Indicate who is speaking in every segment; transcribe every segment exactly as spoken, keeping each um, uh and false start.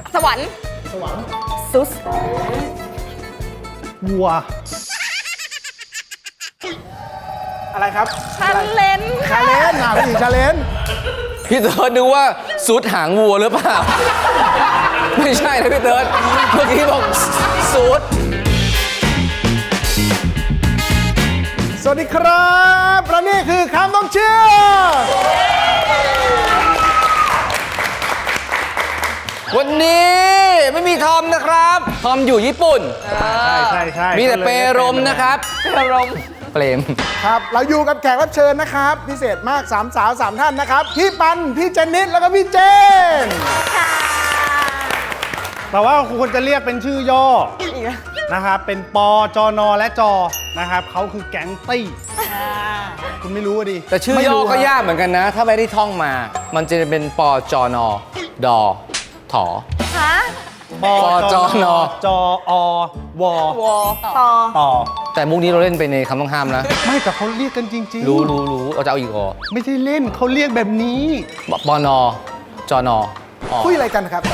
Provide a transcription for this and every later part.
Speaker 1: สวรรค์
Speaker 2: สวรรค์
Speaker 1: ซุส
Speaker 2: วัวอะไรครับ
Speaker 1: ชาเลน
Speaker 2: ชาเลนอ่ะพี่หญิงชาเลน
Speaker 3: พี่เติร์ดดูว่าสุดหางวัวหรือเปล่า ไม่ใช่นะพี่เติร์ดเมื่อกี้บอกสุด
Speaker 2: สวัสดีครับและนี่คือคำต้องเชื่อ
Speaker 3: วันนี้ไม่มีทอมนะครับ ทอมอยู่ญี่ปุ่น
Speaker 2: ใช่ใช่ใช่
Speaker 3: มีแต่เปรมนะครับเปรมเปรม
Speaker 2: ครับเราอยู่กับแขกรับเชิญนะครับพิเศษมากสามสาวสามท่านนะครับพี่ปันพี่เจนนิสแล้วก็พี่เจนแต่ว่าควรจะเรียกเป็นชื่อย่อนะครับเป็นปอจอนอและจอนะครับเขาคือแก๊งตี้คุณไม่รู้ดิ
Speaker 3: แต่ชื่อย่อก็ยากเหมือนกันนะ ถ้าไม่ได้ท่องมา มันจะเป็นปอจอนอดอถอ
Speaker 1: ฮะ
Speaker 2: ปอจอนอจออวอ
Speaker 1: วอต่อ
Speaker 2: ต่อ
Speaker 3: แต่มุกนี้เราเล่นไปในคำต้องห้ามนะ
Speaker 2: ไม่แต่เขาเรียกกันจริงๆ
Speaker 3: รู้รู้รู้เอาจะเอาอีกเหรอ
Speaker 2: ไม่ใช่เล่นเขาเรียกแบบนี้
Speaker 3: ปอนอจอนออ
Speaker 2: คุยอะไรกันครับ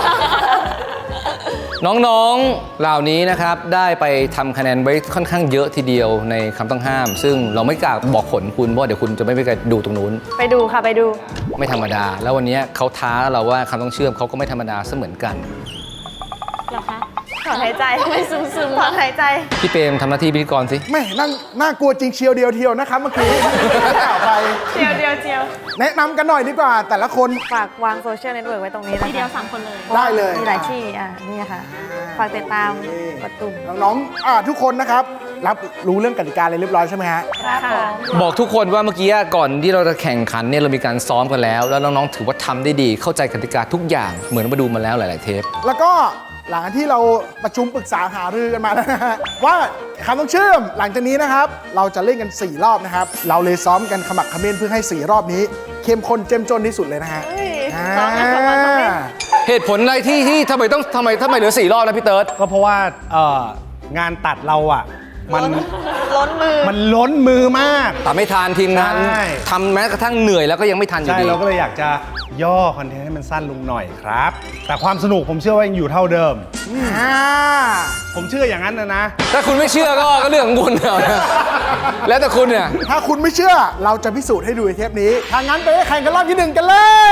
Speaker 3: น้องๆเหล่านี้นะครับได้ไปทำคะแนนไว้ค่อนข้างเยอะทีเดียวในคำต้องห้าม ซึ่งเราไม่กล้าบอกผลคุณเพราะเดี๋ยวคุณจะไม่ไปดูตรงนู้น
Speaker 1: ไปดูค่ะไปดู
Speaker 3: ไม่ธรรมดา แล้ววันนี้เขาท้าเราว่าคำต้องเชื่อมเขาก็ไม่ธรรมดาเสมือนกัน
Speaker 1: เหรอคะถอนหายใจทำไมซึมซึมถอนหายใจ
Speaker 3: พี่เปรมทำหน้าที่พิธีกรสิ
Speaker 2: ไม่นั่งน่ากลัวจริงเชียวเดียวเทียวนะครับเมื่อกี้ข่าวไป
Speaker 1: เจียวเจียวเจียว
Speaker 2: แนะนำกันหน่อยดีกว่า แต่ละคน
Speaker 1: ฝากวางโซเชียลเน็ตเวิร์กไว้ตรงนี้นะคะ
Speaker 4: ทีเดียวสามคนเลย
Speaker 2: ได้เลย
Speaker 1: มีหลายที่อ่ะนี่ค่ะฝากติดตามกดตุ่ม
Speaker 2: น้องๆอ่าทุกคนนะครับรับรู้เรื่องกติกาอะไรเรียบร้อยใช่ไหมฮะ
Speaker 1: ค่ะ
Speaker 3: บอกทุกคนว่าเมื่อกี้ก่อนที่เราจะแข่งขันเนี่ยเรามีการซ้อมกันแล้ว แล้วน้องๆถือว่าทำได้ดีเข้าใจกติกาทุกอย่างเหมือนมาดูมาแล้วหลายๆเทป
Speaker 2: แล้วก็หลังจากที่เราประชุมปรึกษาหารือกันมาแล้วนะฮะว่าคำต้องเชื่อมหลังจากนี้นะครับ เราจะเล่นกันสี่รอบนะครับ เราเลยซ้อมกันขมักเขม้นเพื่อให้สี่รอบนี้เข้มข้นเจ้มจนที่สุดเลยนะฮะ
Speaker 1: เฮ้ย
Speaker 2: อ่า
Speaker 1: ซ้อมกันสองวันสองเล่น
Speaker 3: เหตุผลอะไรที่ที่ทำไมต้องทำไมทำไมเหลือสี่รอบนะพี่เติร์ด
Speaker 2: ก็เพราะว่าเอ่องานตัดเราอ่ะมัน
Speaker 1: ล้นมือ
Speaker 2: มันล้นมือมาก
Speaker 3: แต่ไม่ทานทีมงาน
Speaker 2: ใช่
Speaker 3: ทำแม้กระทั่งเหนื่อยแล้วก็ยังไม่ทันอยู่
Speaker 2: ใช่
Speaker 3: ดี
Speaker 2: เราก็เลยอยากจะย่อคอนเทนต์ให้มันสั้นลงหน่อยครับ แต่ความสนุกผมเชื่อว่ายังอยู่เท่าเดิมอ่าผมเชื่ออย่างนั้นนะนะ
Speaker 3: ถ้าคุณไม่เชื่อก็ก็เรื่องของคุณเอานะแล้วแต่คุณเนี่ย
Speaker 2: ถ้าคุณไม่เชื่อเราจะพิสูจน์ให้ดูในเทปนี้ทางนั้นไปแข่งกันรอบที่หนึ่งกันเลย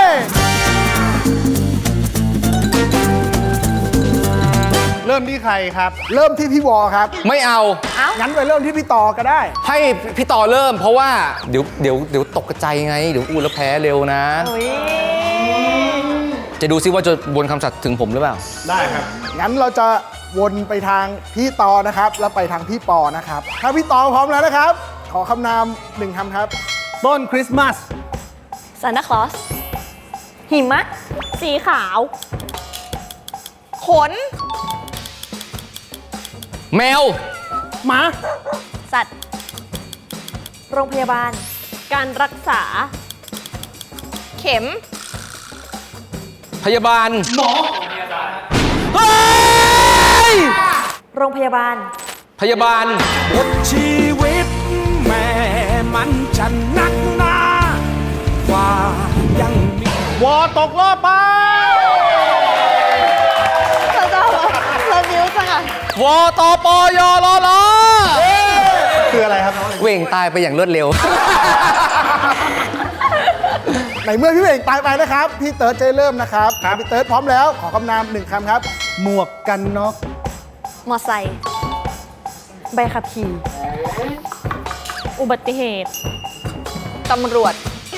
Speaker 2: เริ่มที่ใครครับ เริ่มที่พี่วอครับ
Speaker 3: ไม่เอา
Speaker 2: งั้นไปเริ่มที่พี่ต่อก็ได้
Speaker 3: ให้พี่ต่อเริ่ม เพราะว่าเดี๋ยวเดี๋ยวเดี๋ยวตกกระจายไงเดี๋ยวอูแล้วแพ้เร็วนะ
Speaker 1: อุ้ย
Speaker 3: จะดูซิว่าจะวนคำสัตย์ถึงผมหรือเปล่า
Speaker 2: ได้ครับ งั้นเราจะวนไปทางพี่ต่อนะครับ แล้วไปทางพี่ปอนะครับ ถ้าพี่ต่อพร้อมแล้วนะครับ ขอคำนามหนึ่งคำครับ ต้นคริสต์มาส
Speaker 1: ซานตาคลอสหิมะ สีขาว ขน
Speaker 3: แมว
Speaker 2: หมา
Speaker 1: สัตว์ โรงพยาบาล การรักษา เข็ม
Speaker 3: พยาบาลหมอเฮ้ย
Speaker 1: โรงพยาบาล
Speaker 3: พยาบาล
Speaker 5: บทชีวิตแม่มันจะนักหนากว่ายังมี
Speaker 2: วอตกรอบไป
Speaker 1: เราจะเราบิ้วจังอ่ะ
Speaker 3: วตปยรล
Speaker 2: คืออะไรครับ
Speaker 3: เว่งตายไปอย่างรวดเร็ว
Speaker 2: ในเมื่อพี่เอกตายไปนะครับ พี่เติร์ดจะเริ่มนะครับ พี่เติร์ดพร้อมแล้ว ขอคำนามหนึ่งคำครับ หมวกกันน็อก
Speaker 1: มอไซค์ใบขับขี่ อุบัติเหตุ ตำรวจ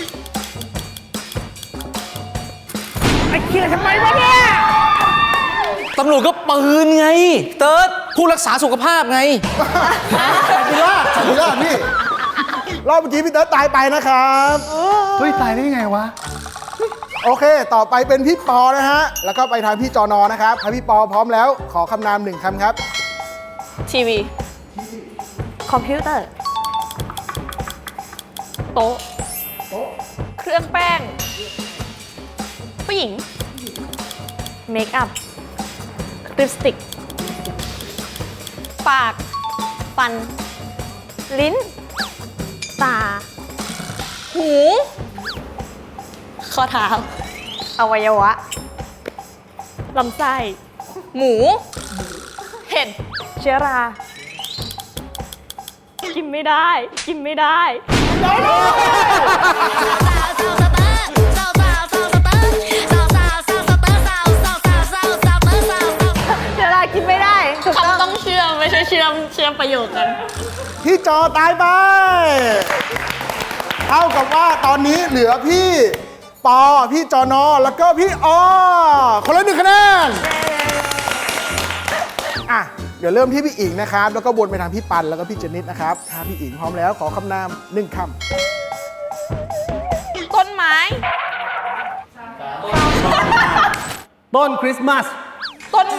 Speaker 2: ไอ้เคียทำไมวะเนี่ย
Speaker 3: ตำรวจก็ปืนไง เติร์ดผู้รักษาสุขภาพไง
Speaker 2: พิล่าพิล่าพี่ รอบเมื่อกี้พี่เติร์ดตายไปนะครับ เฮ้ย ตายได้ไงวะ โอเค ต่อไปเป็นพี่ปอนะฮะ แล้วก็ไปทางพี่จอนอนะครับถ้าพี่ปอพร้อมแล้ว ขอคำนามหนึ่งคำครับ
Speaker 1: ทีวี คอมพิวเตอร์ โต๊ะ เครื่องแป้ง ผู้หญิง เมคอัพ ลิปสติก ปาก ฟัน ลิ้น ตา หู ข้อเท้า อวัยวะลำไส้
Speaker 4: หมู เห็ด
Speaker 1: เชื้อรา กินไม่ได้ กินไม่ได้ เชื้อรากินไม่ได้ถูกต้อง
Speaker 4: คำต้องเชื่อมไม่ใช่เชื่อมเชื่อมประโยคกัน
Speaker 2: พี่จอตายไปเท่ากับว่าตอนนี้เหลือพี่ปอพี่จอนอแล้วก็พี่อคนละหนึ่งคะแนนอ่ะเดี๋ยวเริ่มที่พี่อิงนะครับ แล้วก็วนไปทางพี่ปันแล้วก็พี่เจนิดนะครับถ้าพี่อิงพร้อมแล้วขอคำนามหนึ่งค
Speaker 4: ต้นไม้
Speaker 6: ต้นคริสต์มาส
Speaker 4: ต้นไม้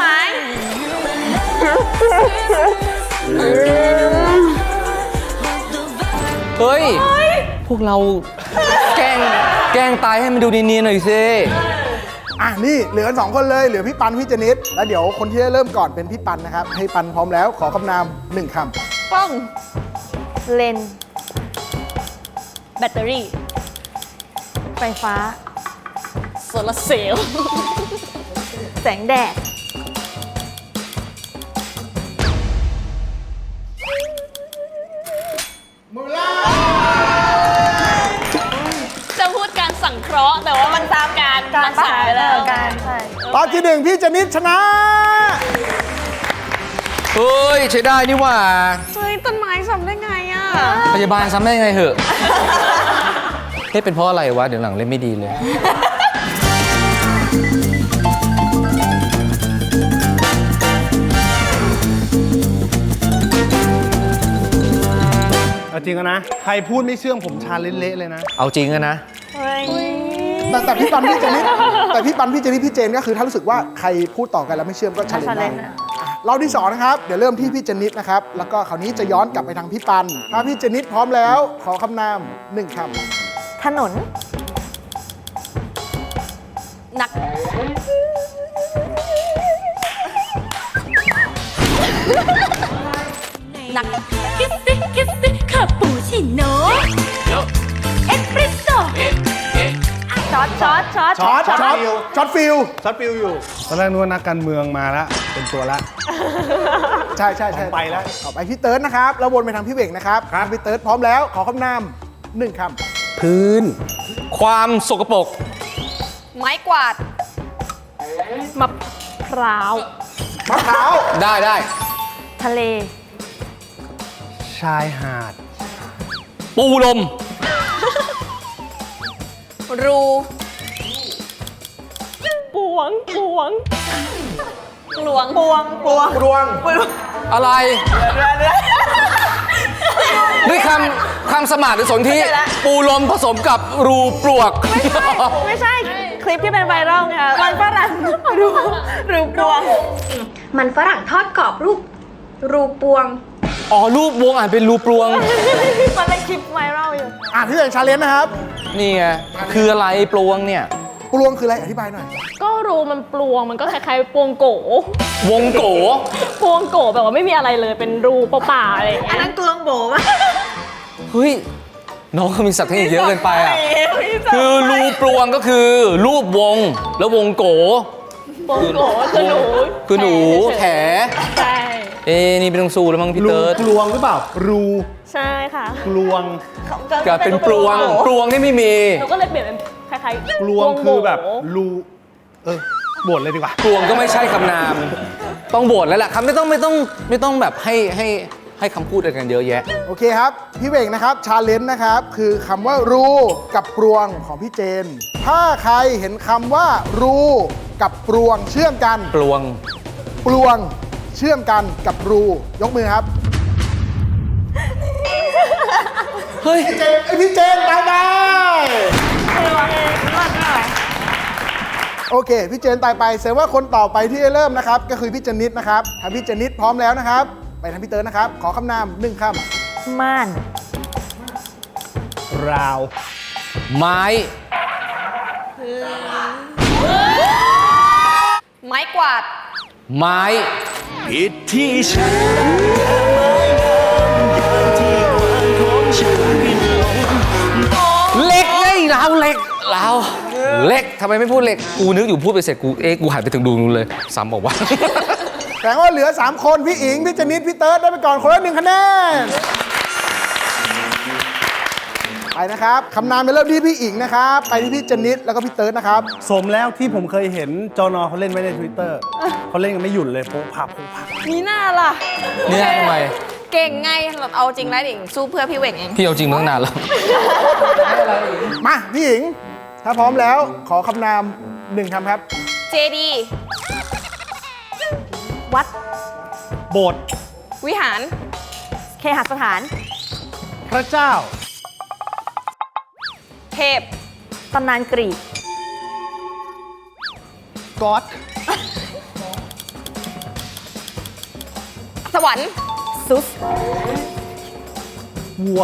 Speaker 3: เฮ้ย พวกเราแกล้งแกล้งตายให้มันดูเนียนๆหน่อยสิ
Speaker 2: ำอ่ะนี่เหลือกันสองคนเลยเหลือพี่ปันพี่เจนิดแล้วเดี๋ยวคนที่ได้เริ่มก่อนเป็นพี่ปันนะครับให้ปันพร้อมแล้วขอคำนามหนึ่งคำ
Speaker 4: กล้อง
Speaker 1: เลนส์แบตเตอรี่ ไฟฟ้า
Speaker 4: โซลาร์เซลล์
Speaker 1: แสงแดด
Speaker 4: จะพูดการสังเคราะห์ แต่ว่ามันตามการ
Speaker 1: การ
Speaker 4: รักษาไปแล้ว
Speaker 1: การใช่
Speaker 2: ตอนที่หนึ่งพี่เจนิดชนะ
Speaker 3: เฮ้ย ใช้ได้นี่หว่า
Speaker 4: เฮ้ย ต้นไม้ทำได้ไงอ่ะ
Speaker 3: พยาบาลซ้ำได้ไงเหอะ เฮ้ยเป็นเพราะอะไรวะ เดี๋ยวหลังเล่นไม่ดีเลย
Speaker 6: เอาจริงอะนะ ใครพูดไม่เชื่องผมชาเละๆเลยนะ
Speaker 3: เอาจริงอะนะ
Speaker 1: เฮ้ย
Speaker 2: แต่แต่พี่ปันพี่เจนิดแต่พี่ปันพี่เจนิดพี่เจนก็คือถ้ารู้สึกว่าใครพูดต่อกันแล้วไม่เชื่อมก็ชาเลนจ์ได้
Speaker 1: challenge นะ
Speaker 2: อ่ะรอบที่สองนะครับเดี๋ยวเริ่มที่พี่เจนิดนะครับแล้วก็คราวนี้จะย้อนกลับไปทางพี่ปันถ้าพี่เจนิดพร้อมแล้วขอคำนามหนึ่งคำ
Speaker 1: ถนน
Speaker 4: หนัก หนัก
Speaker 7: คิสซี่คิสซี่คาปูชิโน่เอสเปรสโซ่
Speaker 1: ช็อตช็อตช็อต
Speaker 2: ช็อตช็อตช็อตฟิล
Speaker 6: ช็อตฟิลอยู่ ตอนแรกนึกว่านักการเมืองมาแล้ว เป็นตัวละ
Speaker 2: ใช่ใช่ใช่
Speaker 6: ไปแล้ว
Speaker 2: ต่อไปพี่เติร์ดนะครับแล้ววนไปทางพี่เบ่งนะครับครับพี่เติร์ดพร้อมแล้วขอคำนามหนึ่งคำ
Speaker 6: พื้น
Speaker 3: ความสกปรก
Speaker 4: ไม้กวาด
Speaker 1: มะพร้าว
Speaker 2: มะพร้าว
Speaker 3: ได้ได้
Speaker 1: ทะเล
Speaker 6: ชายหาด
Speaker 3: ปูลม
Speaker 4: รู
Speaker 1: ปวง ปวง
Speaker 4: หลวง
Speaker 1: ปวง ปวง
Speaker 2: รวง
Speaker 3: อะไรด้วยคำคำสมาร์ทหรือสนที่ปูลมผสมกับรูปลวก
Speaker 1: ไม่ใช่ คลิปที่เป็นไวรัลไงมันฝรั่งรูรูปวง
Speaker 7: มันฝรั่งทอดกรอบรูป รูปวง
Speaker 3: อ๋อ รูปวงอ่านเป็นรูปลวง
Speaker 1: มันเป็นคลิปไวรัลอยู่
Speaker 2: อ่ะพี่เบ่งชาเลนจ์นะครับ
Speaker 3: นี่ไง คืออะไรปลวงเนี่ย
Speaker 2: ปลวงคืออะไรอธิบายหน่อย
Speaker 1: ก็รูมันปลวง มันก็คล้ายๆปวงโก
Speaker 3: วงโก
Speaker 1: ปวงโกแบบว่าไม่มีอะไรเลย เป็นรูเปล่าๆอะไรอย่างเงี้ย อันนั้นกลวงโบป่ะ
Speaker 3: เฮ้ย น้องเขามีศัพท์เทคนิคเยอะเกินไปอ่ะ คือรูปลวงก็คือ รูปวง แล้ววงโก
Speaker 1: ปวงโกคือหนู
Speaker 3: คือหนูแถ
Speaker 1: ใช่
Speaker 3: เอ้นี่เป็นตรงซูแล้วมั้งพี่
Speaker 6: รู
Speaker 3: เติร์ด
Speaker 6: กลวงหรือเปล่า รู
Speaker 1: ใช่ค่ะ
Speaker 6: กลวง
Speaker 3: กลายเป็นปลวง ปลวงนี่ไม่มี
Speaker 1: หนูก็เลยเปลี่ยนเป็นคล้ายๆ
Speaker 6: กลวงคือแบบ
Speaker 1: โ
Speaker 6: รู เออบ่นเลยดีกว่า
Speaker 3: ปลวงก็ไม่ใช่คำนาม ต้องโบทแล้วแหละคำไม่ต้องไม่ต้องไม่ต้องแบบให้ให้ให้คำพูดอะไรกันเยอะแยะ
Speaker 2: โอเคครับ พี่เบ่งนะครับชาเลนจ์นะครับคือคำว่ารูกับปลวงของพี่เจน ถ้าใครเห็นคำว่า รูกับปลวงเชื่อมกัน
Speaker 3: ปลวง
Speaker 2: ปลวงเชื่อมกันกับรู ยกมือครับ
Speaker 3: เฮ้ย
Speaker 2: พี่เจนไอพี่เจนตายไปโอเค พี่เจนตายไปแสดงว่าคนต่อไปที่จะเริ่มนะครับ ก็คือพี่เจนิดนะครับถ้าพี่เจนิดพร้อมแล้วนะครับ ไปทางพี่เติร์ดนะครับ ขอคำนามหนึ่งคำ
Speaker 1: ม่าน
Speaker 6: ราว
Speaker 3: ไม้
Speaker 4: ไม้กวาด
Speaker 3: ไม้
Speaker 5: ผิดที่ฉัน
Speaker 3: เหล็กไงเราเหล็กเรา
Speaker 2: เ
Speaker 3: เล็กทำไมไม่พูดเล็ก กูนึกอยู่พูดไปเสร็จกูเอ๊ะกูหันไปถึงดูนู้นเลยซ้ำบอกว่า
Speaker 2: แสดงว่าเหลือ สาม คนพี่อิง พี่เจนิดพี่เติร์ดได้ไปก่อนคนละหนึ่งคะแนนไปนะครับคำนามไปเริ่มที่พี่อิงนะครับไปที่พี่เจนิดแล้วก็พี่เติร์ดนะครับ
Speaker 6: สมแล้วที่ผมเคยเห็นจอนอเขาเล่นไว้ใน Twitter เขาเล่นกันไม่หยุดเลยโป๊ะผับโป๊ะผับ
Speaker 1: มีหน้าล่ะ
Speaker 3: เนี่ยทำไม
Speaker 1: เก่งไงแบบเอาจริงแล้วดิสู้เพื่อพี่เหว่งเอง
Speaker 3: พี่เอาจริงมาตั้งนานแล้ว
Speaker 2: มาพี่อิง ถ้าพร้อมแล้วขอคำนามหนึ่งคำครับ
Speaker 1: เจดี
Speaker 8: วัด
Speaker 6: โบสถ์
Speaker 1: วิหาร
Speaker 8: เคหสถาน
Speaker 6: พระเจ้า
Speaker 1: เทพ
Speaker 8: ตำนานกรีก
Speaker 6: ก๊อด
Speaker 1: สวรรค์
Speaker 8: ซุส
Speaker 6: วัว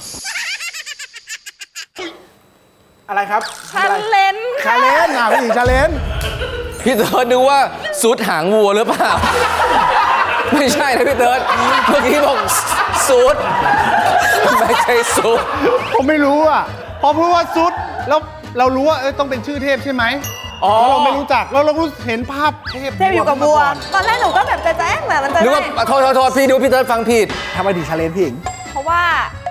Speaker 2: อะไรครับ
Speaker 1: ชาเลน
Speaker 2: ชาเลนจ์อ่ะพี่อิงชาเลนจ์
Speaker 3: พี่เติร์ดนึกว่าซุดหางวัวหรือเปล่า ไม่ใช่นะพี่เติร์ดเมื่อกี้บอกซุดไม่ใช่ซุด
Speaker 6: ผมไม่รู้อ่ะ พอพูดว่าซุดแล้วเรารู้ว่าเออต้องเป็นชื่อเทพใช่ไหมอ๋อเราไม่รู้จักเราเรารู้เห็นภาพเทพ
Speaker 8: เทพอยู่กับบัว ตอนแรกหนูก็แบบจะแจ้งแบบมันจะ
Speaker 3: นึก
Speaker 8: ได้
Speaker 3: ว่าโทษโทษโทษพี่ดูพี่เติร์ดฟังผิด
Speaker 2: ทำไมถึงชาเลนจ์พี่อิง
Speaker 1: เพราะว่า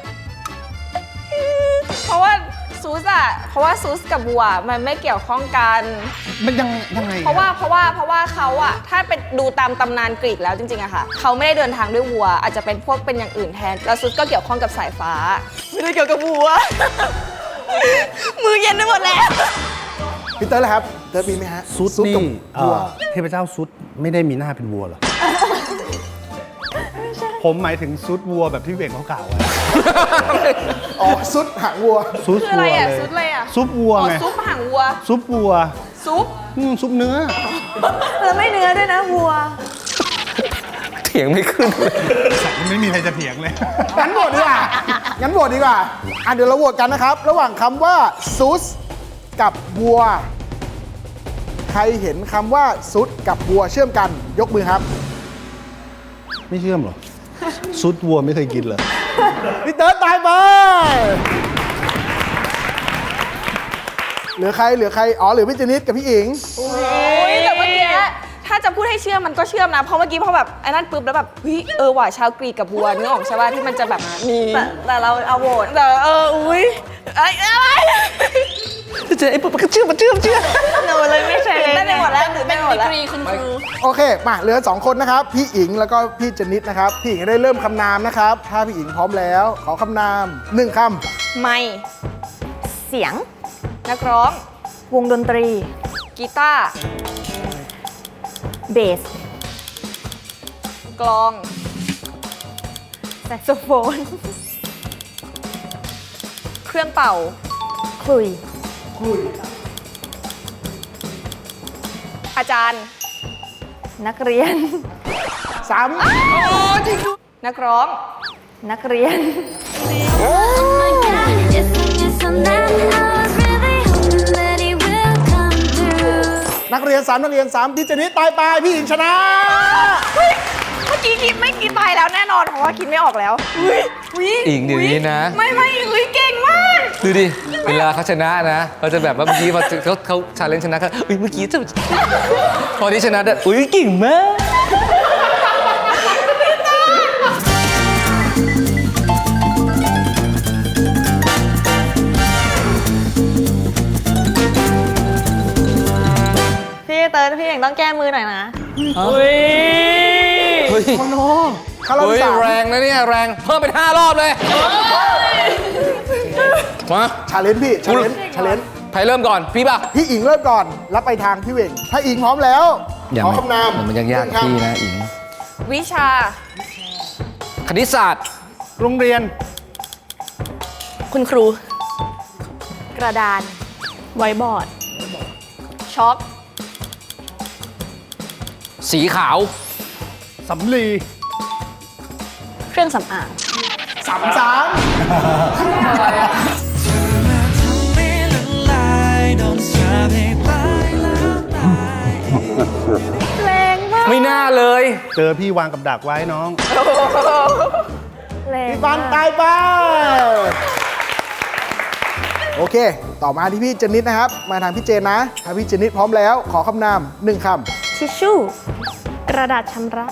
Speaker 1: เพราะว่าซูสอะเพราะว่าซูสกับบัวมันไม่เกี่ยวข้องกัน
Speaker 6: มันยังยังไง
Speaker 1: เพราะว่าเพราะว่าเพราะว่าเขาอะถ้าเป็นดูตามตำนานกรีกแล้วจริงๆอะค่ะเขาไม่ได้เดินทางด้วยวัว อาจจะเป็นพวกเป็นอย่างอื่นแทนแล้วซูสก็เกี่ยวข้องกับสายฟ้า ไม่ได้เกี่ยวกับวัว มือเย็นไปหมดแล้ว
Speaker 2: พี่เติร์ดล่ะครับเติร์ดมีไหมฮะ
Speaker 6: ซุด
Speaker 2: กับ
Speaker 6: นี่เอ่
Speaker 2: บัว
Speaker 6: อเทพเจ้าซุดไม่ได้มีหน้าเป็นวัวเหรอ ผมหมายถึงซุดวัวแบบที่เวกเขากล่าวไว้
Speaker 2: อ๋อซุดหางวัว
Speaker 6: ซุด
Speaker 1: คืออะ
Speaker 6: วั
Speaker 1: ไร
Speaker 6: ว
Speaker 1: อะ
Speaker 6: เลย
Speaker 1: ซุปอะไรอะ
Speaker 6: ซุปวัว
Speaker 1: อ๋อ
Speaker 6: ไง
Speaker 1: ซุปหางวัว
Speaker 6: ซุปวัว
Speaker 1: ซุป
Speaker 6: อืมซุปเนื้อ
Speaker 8: แล้วไม่เนื้อด้วยนะวัว
Speaker 3: เถียงไม่ขึ้นเลย
Speaker 6: ไม่มีใครจะเถียงเลย
Speaker 2: งั้นโหวตดีกว่า งั้นโหวตดีกว่า อ่ะเดี๋ยวเราโหวตกันนะครับ ระหว่างคำว่าซุสกับวัว ใครเห็นคำว่าซุดกับวัวเชื่อมกัน ยกมือครับ
Speaker 6: ไม่เชื่อมเหรอ ซุดวัวไม่เคยกินเลย
Speaker 2: พี่เติร์ดตายไป เหลือใคร เหลือใคร อ๋อ เหลือพี่เจนิดกับพี่อิง
Speaker 1: โอ้ยแต่เมื่อกี้ถ้าจะพูดให้เชื่อมมันก็เชื่อมนะ เพราะเมื่อกี้พอแบบไอ้นั่นปุ๊บแล้วแบบเฮ้ยเออว่ะชาวกรีกกับวัวนึกออกใช่ป่ะที่มันจะแบบมี
Speaker 8: แต่แต่เราเอาโหวต
Speaker 1: แต่เอออุ้ยไอ้อะไร
Speaker 3: เจอไอ้ปุ๊บก็เชื่อมเชื่อมเชื่อม
Speaker 8: หนูเลยไม่ใช่เลย
Speaker 1: ได้ไปหมดแล้ว
Speaker 8: หนู
Speaker 1: เป็
Speaker 8: ได้
Speaker 1: น
Speaker 8: หมด
Speaker 1: ดี
Speaker 8: แล้ว
Speaker 1: กรีคุณครู
Speaker 2: โอเค มาเหลือสองคนนะครับ พี่อิงแล้วก็พี่เจนิดนะครับ พี่อิงได้เริ่มคำนามนะครับ ถ้าพี่อิงพร้อมแล้ว ขอคำนามหนึ่งค
Speaker 1: ไม่
Speaker 8: เสียง
Speaker 1: นักร้อง
Speaker 8: วงดนตรี
Speaker 1: กีตาร์
Speaker 8: เบส
Speaker 1: กลอง
Speaker 8: แซกโซโฟน
Speaker 1: เครื่องเป่า
Speaker 8: คลุย
Speaker 1: อาจารย์
Speaker 8: นักเรียน
Speaker 2: ำสาม
Speaker 1: นักร้อง
Speaker 8: นักเรียน
Speaker 2: นักเรียนสามนักเรียนสามพี่เจนิดตายไปพี่อิงชนะ
Speaker 1: เมื่อกี้คิดไม่คิดไปแล้วแน่นอนเพราะว่าคิดไม่ออกแล้วอุ้ยอุ้ย
Speaker 3: อิงเดี๋ยวนี้นะ
Speaker 1: ไม่ไม่อุ้ยเก่งมาก
Speaker 3: ดูดิ เวลาเขาชนะนะเขาจะแบบว่าเมื่อกี้พอเขาเขาชาเลนจ์ชนะเขาอุ้ยเมื่อกี้จะพอที่ชนะได้อุ้ยเก่งมาก
Speaker 8: พี่เติร์ดพี่เองต้องแก้มือหน่อยนะ
Speaker 3: เฮ้ย
Speaker 2: โอ้โหคารอบ
Speaker 3: เฮ้ย
Speaker 2: ที่สาม
Speaker 3: แรงนะเนี่ยแรงเพิ่มเป็นห้ารอบเลยมา
Speaker 2: ชาเลนจ์พี่ชาเลนจ์ชาเลนจ์
Speaker 3: ใครเริ่มก่อนพี่ป่ะ
Speaker 2: พี่อิงเริ่มก่อน แล้วไปทางพี่เวงถ้าอิงพร้อมแล้ว ขอคำนาม
Speaker 3: มันยากๆพี่นะอิง
Speaker 1: วิชา
Speaker 3: คณิตศาสตร์
Speaker 6: โรงเรียน
Speaker 1: คุณครู
Speaker 8: กระดาน
Speaker 1: ไวบอร์ด ช็อก
Speaker 3: สีขาว
Speaker 6: สำลี
Speaker 1: เครื่องสำอาง
Speaker 2: สามสาม
Speaker 8: แรงมาก
Speaker 3: ไม่น่าเลย
Speaker 6: เจอพี่วางกับดักไว้น้อง
Speaker 8: แรง
Speaker 2: พี่ฟันตายไปโอเค ต่อมาที่พี่เจนนิดนะครับ มาทางพี่เจนนะถ้าพี่เจนนิดพร้อมแล้ว ขอคำนามหนึ่งค
Speaker 8: ทิชชู่ กระดาษชำระ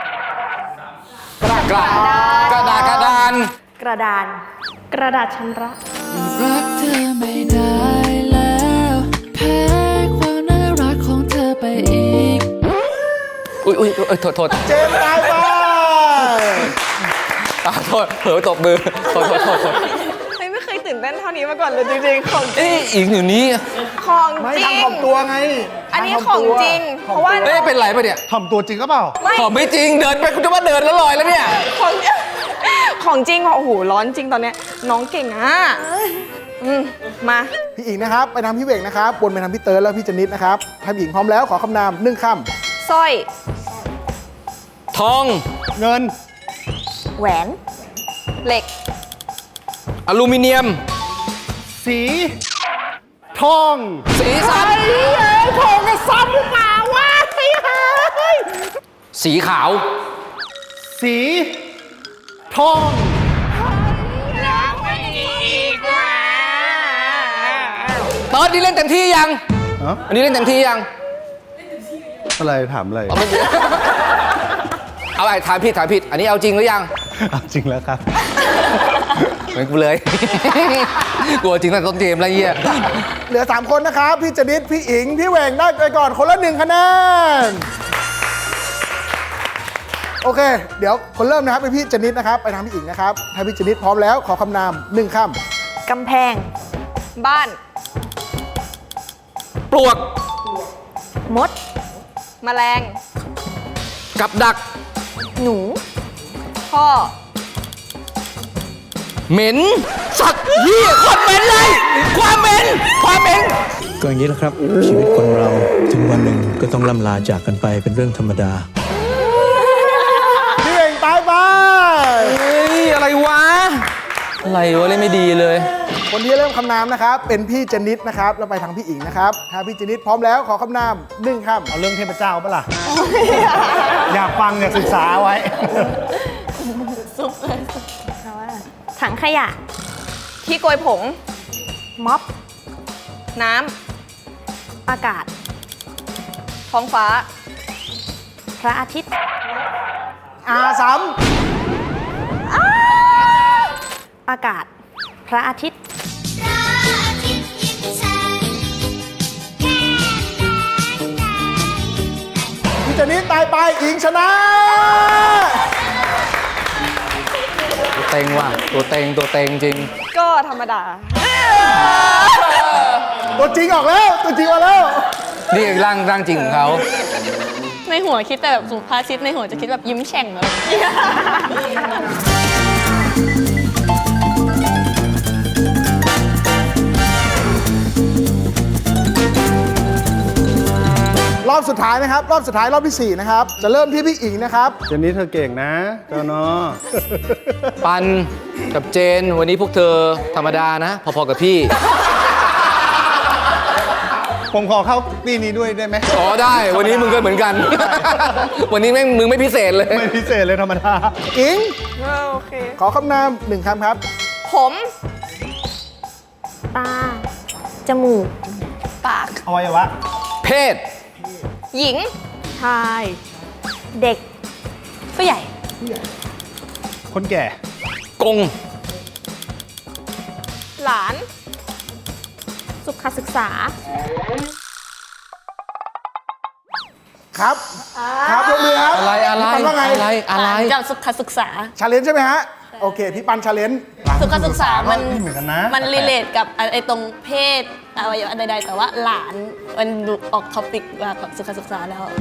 Speaker 3: กระกระดาษกระดาน
Speaker 8: กระดาน กระดาษชำระ
Speaker 7: รักเธอไม่ได้แล้วแพ้ความน่ารักของเธอไปอีก
Speaker 3: อุ้ยอุ้ยเอ้ยโทษโทษ
Speaker 2: ำเจนตายไป
Speaker 3: อ่าโทษเผลอตบมือโทษโทษโทษโทษ
Speaker 1: ไม่ไม่เคยตื่นเต้นเท่านี้มาก่อนเลยจริงๆ ของจริ
Speaker 3: เอ้
Speaker 1: ง
Speaker 3: ยอีกอยู่นี้
Speaker 1: ของ
Speaker 2: ไม่
Speaker 1: จริง
Speaker 2: ทำของตัวไง
Speaker 1: อันนี้
Speaker 2: ทำ
Speaker 1: ของ
Speaker 2: ตัว
Speaker 1: จริง เพราะว่า
Speaker 3: เอ้ยเป็นไรปะเนี่ย
Speaker 6: ถ่อมตัวจริงก็เปล่า
Speaker 3: ขอไม่จริงเดินไปคุณจะว่าเดินแล้วลอยแล้วเนี่ย
Speaker 1: ของของจริงว่ะโอ้โหร้อนจริงตอนเนี้ยน้องเก่งอ่ะอืมมา
Speaker 2: พี่อิงนะครับ ไปทางพี่เวงนะครับวนไปทางพี่เติร์ดแล้วพี่เจนนิดนะครับถ้าพี่อิงพร้อมแล้วขอคำนามหนึ่งค
Speaker 1: สร้อย
Speaker 3: ทอง
Speaker 6: เงิน
Speaker 8: แหวน
Speaker 1: เหล็ก
Speaker 3: อลูมิเนียม
Speaker 6: สี ทอง
Speaker 3: สีสัน
Speaker 6: ทองกับซ้ำหรือเปล่าวะ
Speaker 3: สีขาว
Speaker 6: สี ทอง
Speaker 3: เติร์ดนี่เล่นเต็มที่ยัง
Speaker 6: ฮะ
Speaker 3: อันนี้เล่นเต็มที่ยัง
Speaker 6: อะไรถามอะไร
Speaker 3: เอาไม่เอาไปถามผิดถามผิด อันนี้เอาจริงหรือยัง
Speaker 6: เอาจริงแล้วครับ
Speaker 3: เหมือนกูเลย กลัวจริงตั้งแต่ต้นเกมแล้วเหี้ย
Speaker 2: ำเหลือ 3 คนนะครับ พี่เจนนิดพี่อิง พี่เวงได้ไปก่อนคนละหนึ่งคะแนน โอเค เดี๋ยวคนเริ่มนะครับเป็นพี่เจนนิดนะครับ ไปทางพี่อิงนะครับ ถ้าพี่เจนนิดพร้อมแล้วขอคำนามหนึ่งค
Speaker 8: กำแพง
Speaker 1: บ้าน
Speaker 3: ปลวก
Speaker 8: มด
Speaker 1: แมลง
Speaker 3: กับดัก
Speaker 8: หนู
Speaker 1: พ่อ
Speaker 3: เหม็น สัตว์เหี้ยโคนเหม็นเลย ความเหม็น ความเหม็น
Speaker 9: ก็อย่างนี้แหละครับ ชีวิตคนเราถึงวันหนึ่งก็ต้องล่ำลาจากกันไปเป็นเรื่องธรรมดา
Speaker 2: ำพี่เวงตายไป
Speaker 3: เฮ้ย อะไรวะ อะไรวะเล่นไม่ดีเลย
Speaker 2: คนที่เริ่มคำนามนะครับ เป็นพี่เจนนิดนะครับ แล้วไปทางพี่อิงนะครับ ถ้าพี่เจนนิดพร้อมแล้วขอคำนามหนึ่งค
Speaker 6: เอาเรื่องเทพเจ้าปะล่ะ อยากฟังอยากศึกษาไว้
Speaker 8: ถังขยะ
Speaker 1: ที่โกยผง
Speaker 8: ม็อบ
Speaker 1: น้
Speaker 8: อากาศ
Speaker 1: ำท้องฟ้า
Speaker 8: พระอาทิตย์
Speaker 2: ำอาสาม
Speaker 8: อากาศ พระอาทิตย์
Speaker 2: พี่เจนนิดตายไปอิงชนะ
Speaker 3: ตัวเต็งว่ะ ตัวเต็ง ตัวเต็งจริง
Speaker 1: ก็ธรรมดา
Speaker 2: ตัวจริงออกแล้ว ตัวจริงออกแล้ว
Speaker 3: นี่ร่างร่างจริงของเขา
Speaker 4: ในหัวคิดแต่แบบสุภาษิตในหัวจะคิดแบบยิ้มแฉ่งเลย
Speaker 2: รอบสุดท้ายนะครับ รอบสุดท้ายรอบที่สี่นะครับ จะเริ่มที่พี่อิงนะครับ
Speaker 6: เจนนี่เธอเก่งนะเจ้าเนาะ
Speaker 3: ปันกับเจน วันนี้พวกเธอธรรมดานะ พอๆกับพี่
Speaker 6: ผมขอเข้าปีนี้ด้วยได้ไหม
Speaker 3: อ๋อได้ วันนี้มึงก็เหมือนกัน วันนี้แม่งมึงไม่พิเศษเลย
Speaker 6: ไม่พิเศษเลยธรรมดา
Speaker 2: อิง
Speaker 1: โอเค
Speaker 2: ขอคำนามหนึ่งคำครับ
Speaker 1: ผม
Speaker 8: ตา จมูก
Speaker 1: ปาก
Speaker 6: อวัยวะ
Speaker 3: เพศ
Speaker 1: หญิง
Speaker 8: ชาย เด็ก
Speaker 1: ผู้ใหญ่
Speaker 6: คนแก่
Speaker 3: กง
Speaker 1: หลาน
Speaker 8: สุขศึกษา
Speaker 2: ครับ ครับยกมือครับ
Speaker 3: อะไรอะไร
Speaker 2: พี่ปันว่าไง
Speaker 3: อะไรอะไร
Speaker 4: จากสุขศึกษา
Speaker 2: ชาเลนจ์ใช่ไหมฮะ โอเค พี่ปันชาเลนจ์
Speaker 4: สุขศึกษา มัน
Speaker 6: นี่เหมือนกันนะ
Speaker 4: มันรีเลทกับไอ้ตรงเพศอวัยวะใดๆ แต่ว่าหลานมันดูออกท็อปิกแบบสุขศึกษาแล้ว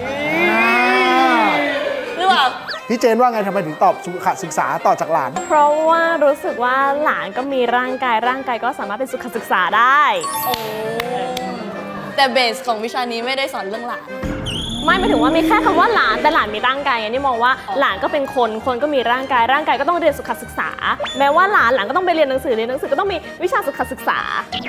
Speaker 4: หรือเปล่า
Speaker 2: พี่เจนว่าไงทำไมถึงตอบสุขศึกษาต่อจากหลาน
Speaker 8: เพราะว่ารู้สึกว่าหลานก็มีร่างกาย ร่างกายก็สามารถเป็นสุขศึกษาได้
Speaker 4: โอ้แต่เบสของวิชานี้ไม่ได้สอนเรื่องหลาน
Speaker 8: ไม่หมายถึงว่ามีแค่คำว่าหลานแต่หลานมีร่างกายไงนี่มองว่าหลานก็เป็นคนคนก็มีร่างกายร่างกายก็ต้องเรียนสุขศึกษา แม้ว่าหลานหลานก็ต้องไปเรียนหนังสือเรียนหนังสือก็ต้องมีวิชาสุขศึกษา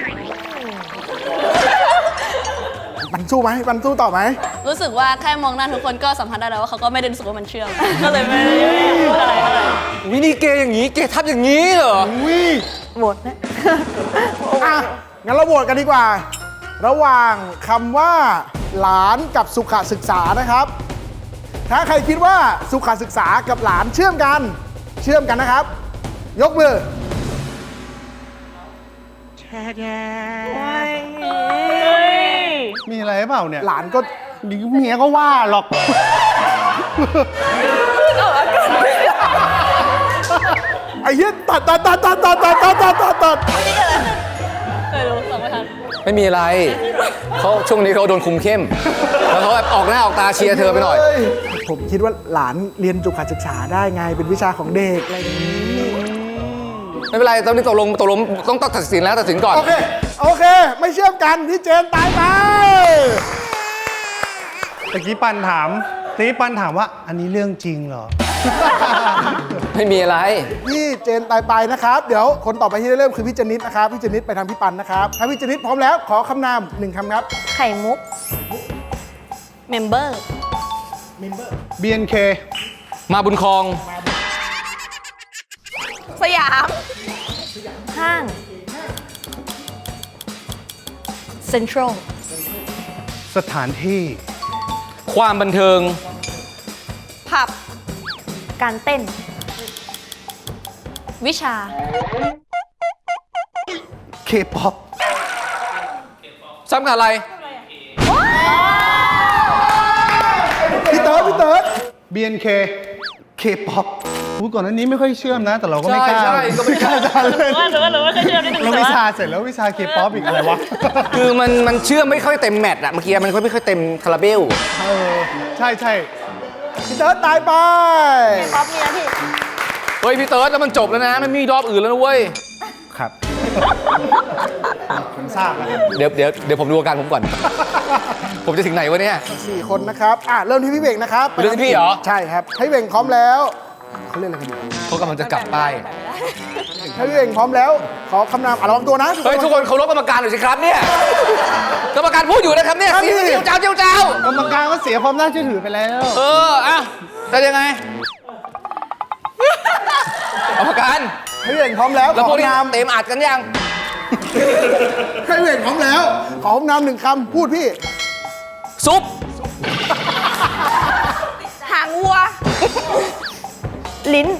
Speaker 2: ปันสู้ไหมปันสู้ต่อไหม
Speaker 4: รู้สึกว่าแค่มองหน้าทุกคนก็สัมผัสได้แล้วว่าเขาก็ไม่ได้รู้สึกว่ามันเชื่อม ก็เลยไม่ได้พูดอะไรเท่าไหร่
Speaker 3: วินี่เกย์อย่างนี้ เกย์ทับอย่างนี้เหรอ
Speaker 2: อุ้ย
Speaker 8: หมดนะ
Speaker 2: อ่ะ งั้นเราโหวตกันดีกว่า ระหว่างคำว่า หลานกับสุขศึกษานะครับ ถ้าใครคิดว่าสุขศึกษากับหลานเชื่อมกัน เชื่อมกันนะครับ ยกมือ
Speaker 6: มีอะไรหรือเปล่าเนี่ย
Speaker 2: หลานก็
Speaker 6: เดี๋ยวเมียก็ว่าหรอก
Speaker 2: ไอ้เหี้ยตัดตัดตัดตัดตัดตัดตัดตัดตัดตัด
Speaker 4: ไม่รู้สองไม่ทัน
Speaker 3: ไม่มีอะไรเขาช่วงนี้เขาโดนคุมเข้ม แล้วเขาแบบออกหน้าออกตาเชียร์เธอไปหน่อย
Speaker 2: ฮ้ผมคิดว่าหลานเรียนสุขศึกษาได้ไง เป็นวิชาของเด็กอะไรอย่างนี้
Speaker 3: ไม่เป็นไรตอนนี้ตกลงตกลงต้องต้องตัดสินแล้วตัดสินก่อน
Speaker 2: โอเค โอเค ไม่เชื่อมกัน พี่เจนตายไป
Speaker 6: ตะกี้ปันถามตะกี้ปันถามว่า อันนี้เรื่องจริงเหรอ
Speaker 3: ไม่มีอะไร
Speaker 2: พี่เจนตายไปนะครับ เดี๋ยวคนต่อไปที่ได้เริ่มคือพี่เจนิดนะครับ พี่เจนิดไปทางพี่ปันนะครับ ถ้าพี่เจนิดพร้อมแล้วขอคำนามหนึ่งคำครับ
Speaker 4: ไข่มุก เมมเบอร์
Speaker 6: บี เอ็น เค
Speaker 3: มาบุญครอง
Speaker 1: สยาม
Speaker 4: ห้าง เซ็นทรัล
Speaker 6: สถานที่
Speaker 3: ความบันเทิง
Speaker 1: ผับ
Speaker 4: การเต้น วิชา
Speaker 6: เคป๊อป
Speaker 3: ซ้ำกับอะไร
Speaker 2: พี่เติร์ดพี่เติร์ด
Speaker 6: บี เอ็น เค เคป๊อปพูดก่อนอันนี้ไม่ค่อยเชื่อมนะ แต่เราก็ไม่กล้า
Speaker 3: ใช่ใช่ก็ไม่กล้า
Speaker 6: จะเล่น
Speaker 4: ว่าหรือว่าหรือว่าเคยเชื่อมนิดนึง
Speaker 6: เรา
Speaker 4: แต่
Speaker 6: วิ
Speaker 4: ว่า
Speaker 6: ชาเสร็จแล้ววิชาเคป๊อปอีกอะไรวะ
Speaker 3: คือมันมันเชื่อมไม่ค่อยเต็มแมตช์อะเมื่อกี้มันไม่ค่อยเต็มคาราเบล
Speaker 6: เออ ใช่ใช่
Speaker 2: พี่เติร์ดตายไป
Speaker 4: ป๊อปมีนะพี่
Speaker 3: เฮ้ยพี่เติร์ดแล้วมันจบแล้วนะมันไม่มีรอบอื่นแล้วนะเว้ย
Speaker 6: ครับ ผมทราบแล้วครับ
Speaker 3: เดี๋ยวเดี๋ยวเดี๋ยวผมดูอาการผมก่อน ผมจะถึงไหนวะเนี่ย
Speaker 2: สี่คนนะครับ อ่ะ เริ่มที่พี่เบ่งนะครับ
Speaker 3: เริ่มที่พี่เหรอ
Speaker 2: ใช่ครับ ให้พี่เบ่งพร้อมแล้วเขาเล่นอะไรกันอยู่
Speaker 3: เขากำลังจะกลับป้าย
Speaker 2: ให้พี่เบ่งพร้อมแล้ว ขอคำนามอ่ะระวังตัวนะ
Speaker 3: เฮ้ยทุกคนเคารพกรรมการหน่อยสิครับเนี่ย กรรมการพูดอยู่นะครับเนี่ย
Speaker 2: ครับพี่
Speaker 3: เจียวเจ้าเจียวเจ้าก
Speaker 6: รรมการก็เสียความน่าเชื่อถือไปแล้ว
Speaker 3: เอออ่ะจะยังไง กรรมการ
Speaker 2: ให้พี่เบ่งพร้อมแล้ว
Speaker 3: แล้ว
Speaker 2: ข
Speaker 3: พ
Speaker 2: อ
Speaker 3: วกนี้
Speaker 2: คำนาม
Speaker 3: เต็มอัดกันยัง
Speaker 2: ให้พี่เบ่งพร้อมแล้ว ขอคำนามหนึ่งคำพูดพี่
Speaker 3: ซุป
Speaker 1: หางวัว
Speaker 4: ลิ้น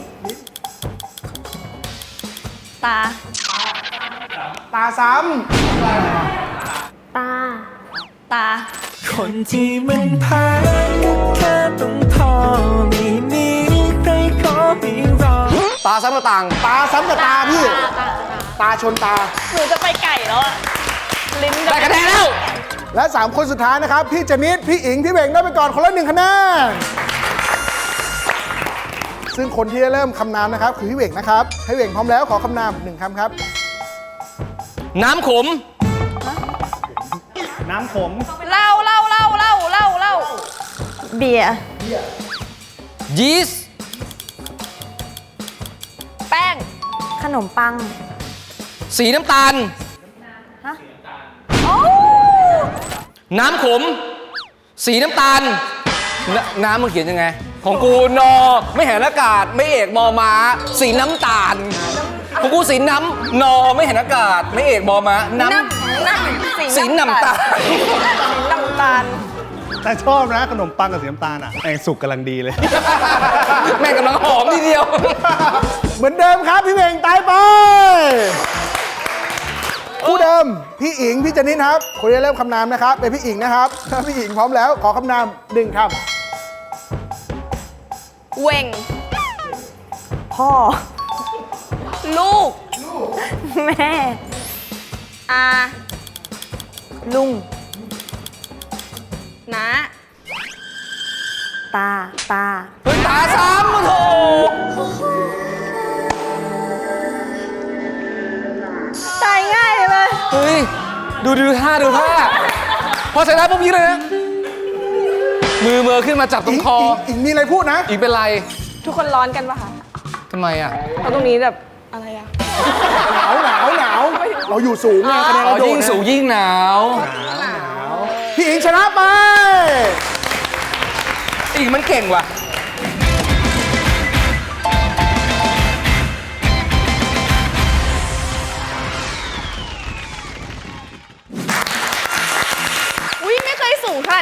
Speaker 4: ตา
Speaker 2: ตาซ้
Speaker 8: ตา
Speaker 4: ตา
Speaker 7: คนที่มันแพ้แค่ต้องทอไม่มีใครขอไม่รอ
Speaker 3: ตาซ้ำกระต่าง
Speaker 2: ำตาซ้ำกับตาพี่ ตาชนตา
Speaker 4: หนูจะไปไก่แล้วอะลิ้น
Speaker 3: ได้คะแนนแล้ว
Speaker 2: และสามคนสุดท้ายนะครับ พี่เจนิด พี่อิง พี่เบ่งได้ไปก่อนคนละหนึ่งคะแนน ซึ่งคนที่ได้เริ่มคำนามนะครับ คือพี่เบ่งนะครับ ให้เบ่งพร้อมแล้วขอคำนามหนึ่งคำครับ
Speaker 3: น้ำขม
Speaker 6: น้ำขม
Speaker 1: เล่าเล่าเล่าเล่าเล่าเล่า
Speaker 4: เบียร์
Speaker 3: ยีสต์
Speaker 1: แป้ง
Speaker 4: ขนมปัง
Speaker 3: สีน้ำตาล
Speaker 1: โอ้
Speaker 3: น้ำขม สีน้ำตาลนน้ำมันเขียนยังไง ของกูนอ ไม่เห็นอากาศ ไม่เอกมอม้า สีน้ำตาล ของกูสีน้ำนอ ไม่เห็นอากาศ ไม่เอกมอม้า น้
Speaker 1: น้ำน้ำ
Speaker 3: สีน้ำตาล
Speaker 1: สีน้ำตาล
Speaker 6: แต่ชอบนะขนมปังกับสีน้ำตาลอ่ะไอ้สุกกำลังดีเลย
Speaker 3: ำแม่งกำลังหอมทีเดียว
Speaker 2: เหมือนเดิมครับ พี่เบ่งตายไปคู่เดิม พี่อิง พี่เจนิดครับ คนที่ได้เริ่มคำนามนะครับ เป็นพี่อิงนะครับ ถ้าพี่อิงพร้อมแล้ว ขอคำนามหนึ่งค
Speaker 1: เว่ง
Speaker 4: พ่อ
Speaker 1: ลูก
Speaker 4: แม่
Speaker 1: อา
Speaker 4: ลุง
Speaker 1: น้า
Speaker 4: ตา ตา
Speaker 3: เฮ้ยตาซ้ำมาโถ
Speaker 4: ตายง่ายเลย
Speaker 3: เฮ้ย ดูดูท่าดูท่า พอชนะปุ๊บยิงเลยนะ มือเมือขึ้นมาจับ
Speaker 2: ำ
Speaker 3: ตร
Speaker 2: อิ
Speaker 3: ง
Speaker 2: ง
Speaker 3: คอ
Speaker 2: อิงอิงมีอะไรพูดนะ
Speaker 3: อีกเป็นไร
Speaker 1: ทุกคนร้อนกันปะคะ
Speaker 3: ทำไมอ่ะ
Speaker 1: เพราะตรงนี้แบบอะไรอะ
Speaker 2: หนาวหนาวหนาวเราอยู่สูงไงคะแนน
Speaker 3: อ๋อ
Speaker 2: เราโด
Speaker 3: ยิ่
Speaker 2: น
Speaker 3: ง
Speaker 2: นะ
Speaker 3: สูงยิ่งหนาว
Speaker 2: พี่อิงชนะไป
Speaker 3: อีกมันเก่งว่ะ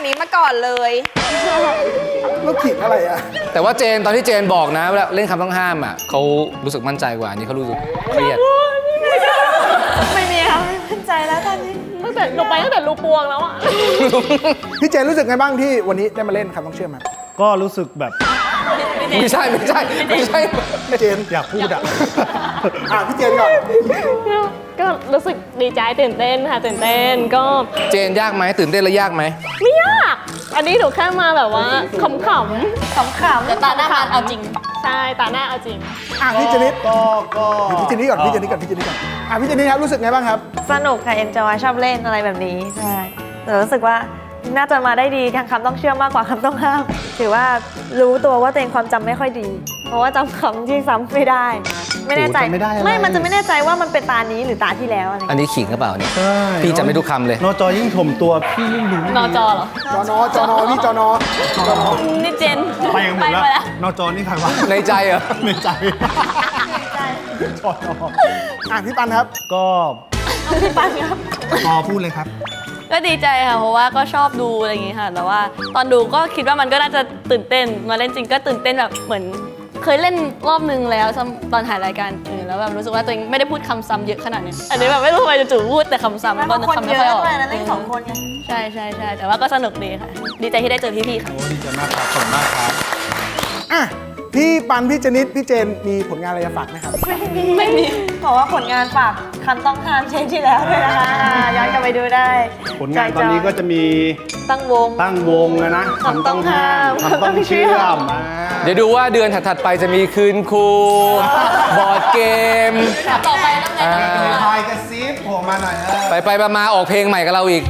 Speaker 1: นี้มาก่อนเลย
Speaker 2: แล้วขิงอะไรอ่ะ
Speaker 3: แต่ว่าเจนตอนที่เจนบอกนะเวลาเล่นคำต้องห้ามอ่ะเขารู้สึกมั่นใจกว่าอันนี้เขารู้สึกเครียด
Speaker 8: ไม่มีค่ะไม่มั่นใจแล้วตอนนี้ตั้งแต่ลงไปตั้งแต่รูปวงแล้วอะ
Speaker 2: พี่เจนรู้สึกไงบ้างที่วันนี้ได้มาเล่นคำต้องเชื่อมครับ
Speaker 6: ก็รู้สึกแบบ
Speaker 3: ไม่ใช่ไม่ใช่ไม่ใช่
Speaker 2: พี่เจน
Speaker 6: อยากพูดอ่ะ
Speaker 2: อ่ะพี่เจนก่อน
Speaker 8: ก็รู้สึกดีใจตื่นเต้นค่ะตื่นเต้นก็
Speaker 3: เจนยากไหมตื่นเต้นแล้วยากไหม
Speaker 8: ไม่ยาก อันนี้หนูแค่มาแบบว่าขำๆขำๆ
Speaker 4: แต่ตาหน้างานเอาจริง
Speaker 8: ใช่ตาหน้าเอาจริง
Speaker 2: อ่ะพี่เจนิด
Speaker 6: ก็ก็
Speaker 2: พี่เจนิดก่อนพี่เจนิดก่อนพี่เจนิดก่อนอ่ะพี่เจนิดครับรู้สึกไงบ้างครับ
Speaker 10: สนุกค่ะ เอนจอยชอบเล่นอะไรแบบนี้ ใช่แต่รู้สึกว่าน่าจะมาได้ดีทางคำต้องเชื่อมมากกว่าคำต้องห้าม ถือว่ารู้ตัวว่าตัวเองความจำไม่ค่อยดี เพราะว่าจำคำที่ซ้ำไม่ได้ ไม่แน่ใจ
Speaker 6: โอ้จำไม่ได้อะไร
Speaker 10: ไม่มันจะไม่แน่ใจว่ามันเป็นตานี้หรือตาที่แล้วอะไร
Speaker 3: อันนี้ขิงหรือเปล่าเนี่ย
Speaker 6: ใช่
Speaker 3: พี่จำไม่ทุกคำเลย
Speaker 6: นอจอยิ่งถ่มตัวพี่ยิ่งรู้
Speaker 4: นอจอเหรอ
Speaker 2: จอนอจอนอพี่จอนอจอนอ
Speaker 4: นี่เจน
Speaker 6: ไปกันหมดแล้ว
Speaker 4: ไปแล้ว
Speaker 6: นอจอนี่ใครวะ
Speaker 3: ในใจเหรอ
Speaker 6: ในใจจอนอ
Speaker 2: อ่ะพี่ปันครับ
Speaker 6: ก็พอพูดเลยครับ
Speaker 4: ก็ดีใจค่ะ เพราะว่าก็ชอบดูอะไรอย่างงี้ค่ะ แต่ว่าตอนดูก็คิดว่ามันก็น่าจะตื่นเต้น มาเล่นจริงก็ตื่นเต้นแบบเหมือน เคยเล่นรอบนึงแล้วซ้ำตอนถ่ายรายการอื่นแล้วแบบรู้สึกว่าตัวเองไม่ได้พูดคำซ้ำเยอะขนาดนี้ อันนี้แบบไม่รู้ทำไมจู่ๆพูดแต่คำซ้ำ
Speaker 10: แล้ว
Speaker 4: ก็
Speaker 10: ก็
Speaker 4: นึก
Speaker 10: คน
Speaker 4: คำ
Speaker 10: เย
Speaker 4: ไม่ค่อยอ
Speaker 10: อะ
Speaker 4: อก
Speaker 10: ด้วยนะเล่นสองคนไง
Speaker 4: ใช่ใช่ใช่แต่ว่าก็สนุกดีค่ะ ดีใจที่ได้เจอพี่ๆค่ะ
Speaker 6: โอ้ดีใจมากครับขอบคุณมากครับ
Speaker 2: อ่ะพี่ปันพี่เจนิดพี่เจนมีผลงานอะไรจะฝากไหมครับ
Speaker 10: ไม่มีไม่มีบอกว่าผลงานฝากคำต้องห้ามเช่นที่แล้วด้วยนะคะอ่าย้อนกลับไปดูได้
Speaker 6: ผลงานตอนนี้ก็จะมี
Speaker 10: ตั้งวง
Speaker 6: ตั้งวงนะนะ
Speaker 10: คำต้องห้าม
Speaker 6: คำต้องเชื่อมอ่า
Speaker 3: เดี๋ยวดูว่าเดือนถัดๆไปจะมีคืนครูบอร์ดเกม
Speaker 4: ต่อไปต้องไง
Speaker 3: อ่า
Speaker 6: พายกระซิบโผล่มาหน่อยเออ
Speaker 3: ไปไปๆมาๆออกเพลงใหม่กับเราอีก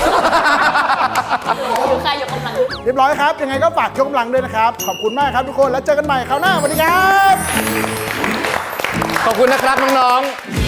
Speaker 4: อยู่ค่ายยกกำลัง
Speaker 2: เรียบร้อยครับ ยังไงก็ฝากยกกำลังด้วยนะครับ ขอบคุณมากครับทุกคนแล้วเจอกันใหม่คราวหน้าสวัสดีครับ
Speaker 3: ขอบคุณนะครับน้องๆ